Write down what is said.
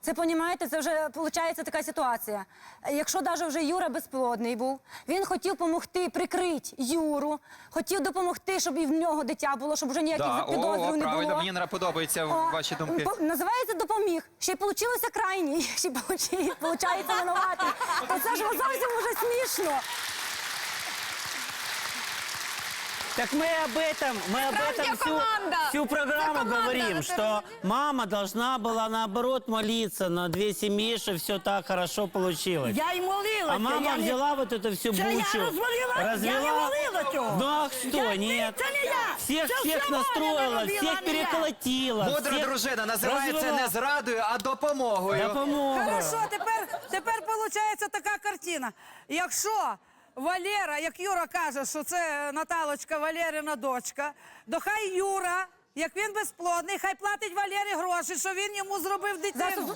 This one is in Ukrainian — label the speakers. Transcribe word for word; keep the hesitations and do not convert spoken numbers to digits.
Speaker 1: Це, понімаєте, це вже, виходить, така ситуація. Якщо навіть вже Юра безплодний був, він хотів допомогти, прикрити Юру, хотів допомогти, щоб і в нього дитя було, щоб вже ніяких
Speaker 2: Да,
Speaker 1: підозрів
Speaker 2: о,
Speaker 1: не
Speaker 2: правильно,
Speaker 1: було.
Speaker 2: мені не подобаються
Speaker 1: О,
Speaker 2: ваші думки.
Speaker 1: по- Називається допоміг. Ще й вийшло крайній, ще й виходить винуватий. То це ж зовсім уже смішно.
Speaker 3: Так мы об этом, мы об этом всю, всю программу говорим, что мама должна была наоборот молиться на две семьи, что все так хорошо получилось.
Speaker 4: Я й молилася.
Speaker 3: А мама
Speaker 4: я не-
Speaker 3: взяла вот эту всю
Speaker 4: Це
Speaker 3: бучу,
Speaker 4: я розвалила, я не
Speaker 3: развела.
Speaker 4: молила цього.
Speaker 3: Ну а что,
Speaker 4: Я-
Speaker 3: нет?
Speaker 4: Це не я.
Speaker 3: Всех,
Speaker 4: Це
Speaker 3: всех
Speaker 4: все Валя
Speaker 3: настроила,
Speaker 4: робила,
Speaker 3: всех
Speaker 4: а не я.
Speaker 3: переколотила.
Speaker 2: Мудра
Speaker 3: всех
Speaker 2: дружина називається
Speaker 3: развела.
Speaker 2: не зрадою, а допомогою.
Speaker 3: Допомога.
Speaker 5: Хорошо, тепер, тепер виходить така картина. Якщо Валера, як Юра каже, що це Наталочка Валерина дочка, то хай Юра, як він безплодний, хай платить Валері гроші, що він йому зробив дитину.
Speaker 1: Зараз